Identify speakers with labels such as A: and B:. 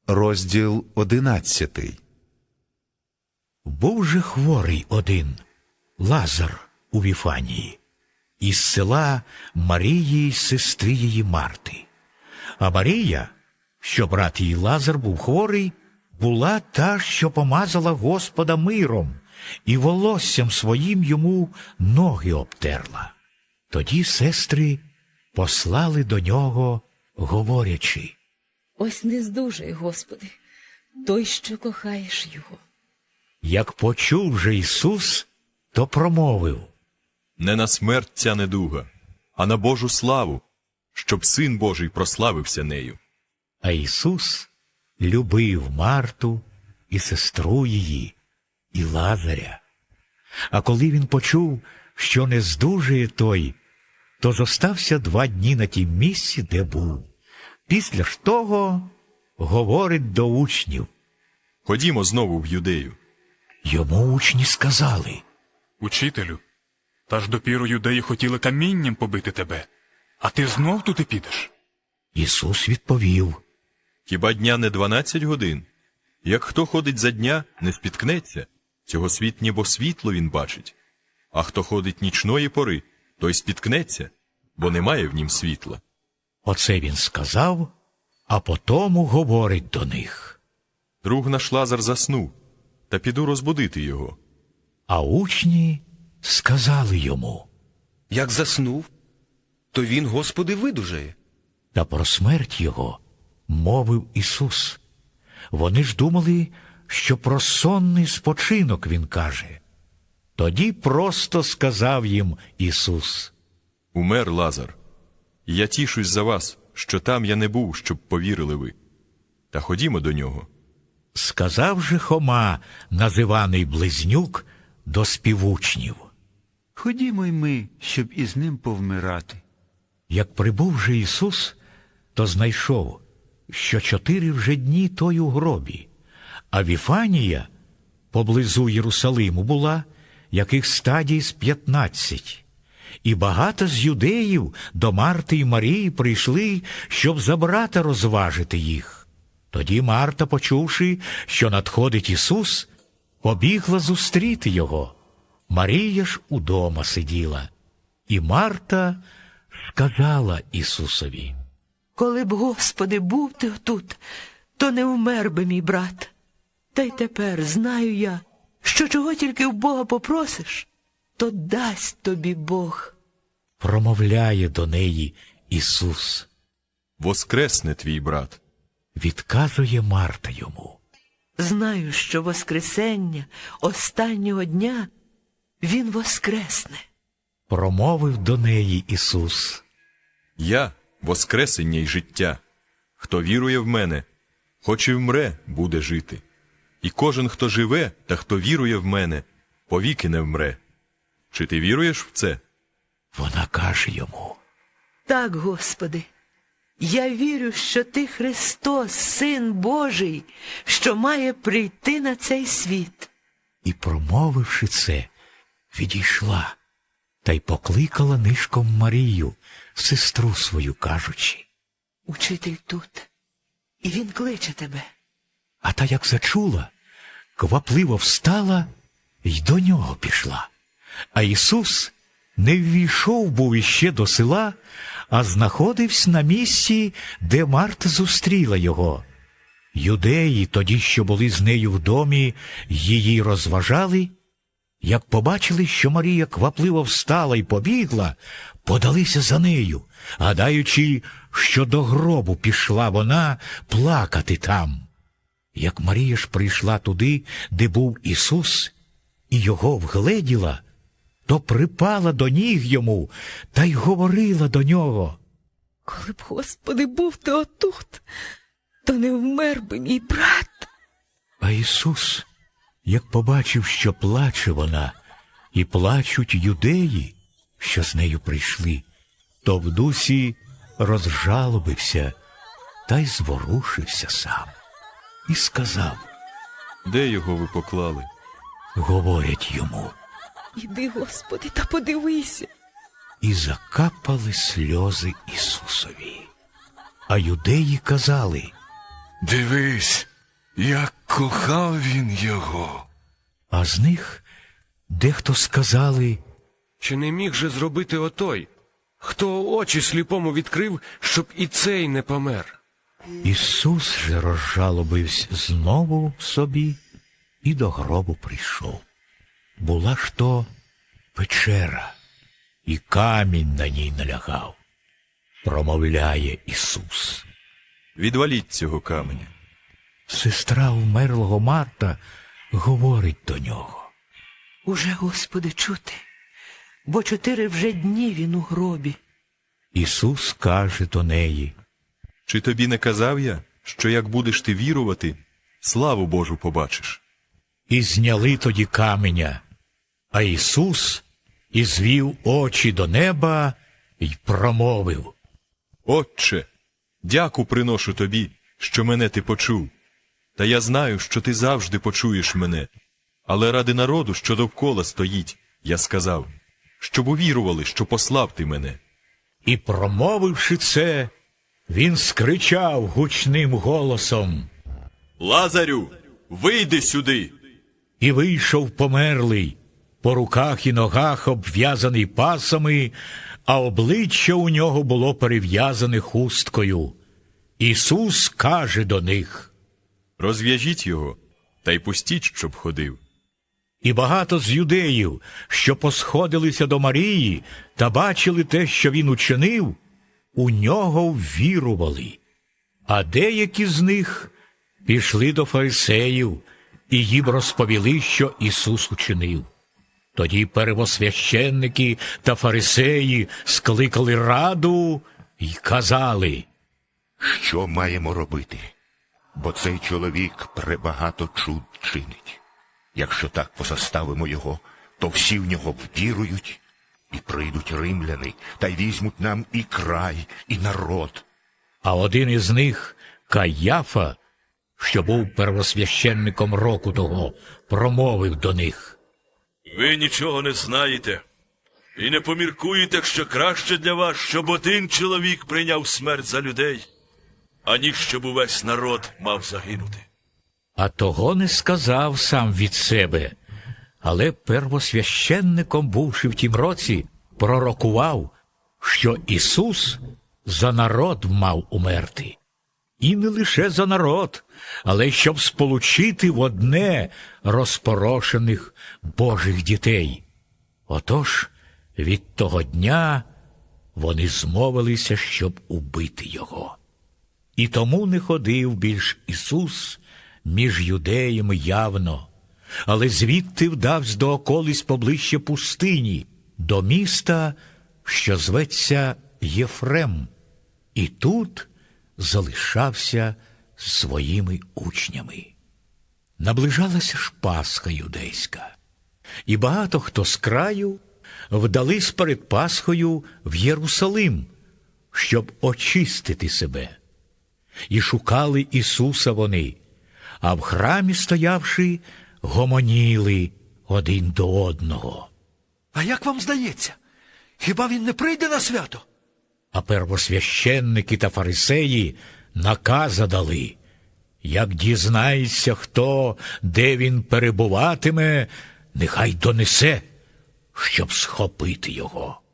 A: Розділ 11.
B: Був же хворий один, Лазар у Віфанії, із села Марії, сестри її Марти. А Марія, що брат її Лазар був хворий, була та, що помазала Господа миром і волоссям своїм йому ноги обтерла. Тоді сестри послали до нього, говорячи:
C: Ось не здужай, Господи, той, що кохаєш його.
B: Як почув же Ісус, то промовив:
D: Не на смерть ця недуга, а на Божу славу, щоб Син Божий прославився нею.
B: А Ісус любив Марту і сестру її, і Лазаря. А коли він почув, що не здужує той, то зостався 2 дні на тім місці, де був. Після ж того говорить до учнів.
D: Ходімо знову в Юдею.
B: Йому учні сказали:
E: Учителю, та ж допіру юдеї хотіли камінням побити тебе, а ти знов туди підеш?
B: Ісус відповів:
D: Хіба дня не 12 годин? Як хто ходить за дня, не спіткнеться. Цього світ ніби світло він бачить. А хто ходить нічної пори, той спіткнеться, бо немає в нім світла.
B: Оце він сказав, а потому говорить до них.
D: Друг наш Лазар заснув, та піду розбудити його.
B: А учні сказали йому:
F: Як заснув, то він, Господи, видужає.
B: Та про смерть його мовив Ісус. Вони ж думали, що про сонний спочинок він каже. Тоді просто сказав їм Ісус:
D: Умер Лазар. І я тішусь за вас, що там я не був, щоб повірили ви. Та ходімо до нього.
B: Сказав же Хома, називаний Близнюк, до співучнів:
G: Ходімо й ми, щоб із ним повмирати.
B: Як прибув же Ісус, то знайшов, що 4 вже дні той у гробі, а Віфанія поблизу Єрусалиму була, яких стадій з 15. І багато з юдеїв до Марти й Марії прийшли, щоб за брата розважити їх. Тоді Марта, почувши, що надходить Ісус, побігла зустріти його. Марія ж удома сиділа. І Марта сказала Ісусові:
H: Коли б, Господи, був ти тут, то не вмер би мій брат. Та й тепер знаю я, що чого тільки в Бога попросиш, то дасть тобі Бог.
B: Промовляє до неї Ісус.
D: Воскресне твій брат.
B: Відказує Марта йому:
H: Знаю, що воскресення останнього дня він воскресне.
B: Промовив до неї Ісус:
D: Я – воскресення й життя. Хто вірує в мене, хоч і вмре, буде жити. І кожен, хто живе та хто вірує в мене, повіки не вмре. Чи ти віруєш в це?
B: Вона каже йому:
H: Так, Господи, я вірю, що ти Христос, Син Божий, що має прийти на цей світ.
B: І, промовивши це, відійшла, та й покликала нишком Марію, сестру свою, кажучи:
H: Учитель тут, і він кличе тебе.
B: А та, як зачула, квапливо встала й до нього пішла. А Ісус не ввійшов був іще до села, а знаходився на місці, де Марта зустріла його. Юдеї, тоді, що були з нею в домі, її розважали. Як побачили, що Марія квапливо встала й побігла, подалися за нею, гадаючи, що до гробу пішла вона плакати там. Як Марія ж прийшла туди, де був Ісус, і його вгледіла, то припала до ніг йому та й говорила до нього:
C: Коли б, Господи, був ти отут, то не вмер би мій брат.
B: А Ісус, як побачив, що плаче вона, і плачуть юдеї, що з нею прийшли, то в дусі розжалобився та й зворушився сам. І сказав:
D: Де його ви поклали?
B: Говорять йому.
C: Іди, Господи, та подивися.
B: І закапали сльози Ісусові. А юдеї казали:
I: Дивись, як кохав він його.
B: А з них дехто сказали:
F: Чи не міг же зробити отой, хто очі сліпому відкрив, щоб і цей не помер?
B: Ісус же розжалобився знову собі і до гробу прийшов. Була ж то печера, і камінь на ній налягав. Промовляє Ісус.
D: Відваліть цього каменя.
B: Сестра вмерлого Марта говорить до нього.
H: Уже, Господи, чути, бо 4 вже дні він у гробі.
B: Ісус каже до неї:
D: Чи тобі не казав я, що як будеш ти вірувати, славу Божу побачиш?
B: І зняли тоді каменя. А Ісус і звів очі до неба й промовив:
D: Отче, дяку приношу тобі, що мене ти почув. Та я знаю, що ти завжди почуєш мене. Але ради народу, що довкола стоїть, я сказав, щоб увірували, що послав ти мене.
B: І, промовивши це, він скричав гучним голосом:
D: Лазарю, вийди сюди!
B: І вийшов померлий, по руках і ногах обв'язаний пасами, а обличчя у нього було перев'язане хусткою. Ісус каже до них:
D: Розв'яжіть його, та й пустіть, щоб ходив.
B: І багато з юдеїв, що посходилися до Марії та бачили те, що він учинив, у нього ввірували. А деякі з них пішли до фарисеїв і їм розповіли, що Ісус учинив. Тоді первосвященники та фарисеї скликали раду й казали:
A: Що маємо робити? Бо цей чоловік пребагато чуд чинить. Якщо так позаставимо його, то всі в нього ввірують, і прийдуть римляни, та й візьмуть нам і край, і народ.
B: А один із них, Каяфа, що був первосвященником року того, промовив до них:
J: Ви нічого не знаєте і не поміркуєте, що краще для вас, щоб один чоловік прийняв смерть за людей, аніж щоб увесь народ мав загинути.
B: А того не сказав сам від себе, але первосвященником, бувши в тім році, пророкував, що Ісус за народ мав умерти. І не лише за народ, але щоб сполучити в одне розпорошених Божих дітей. Отож, від того дня вони змовилися, щоб убити його. І тому не ходив більш Ісус між юдеями явно, але звідти вдавсь до околиць поближче пустині, до міста, що зветься Єфрем, і тут залишався з своїми учнями. Наближалася ж Пасха юдейська, і багато хто з краю вдались перед Пасхою в Єрусалим, щоб очистити себе. І шукали Ісуса вони, а в храмі, стоявши, гомоніли один до одного.
K: А як вам здається, хіба він не прийде на свято?
B: А первосвященники та фарисеї наказа дали: як дізнається хто, де він перебуватиме, нехай донесе, щоб схопити його.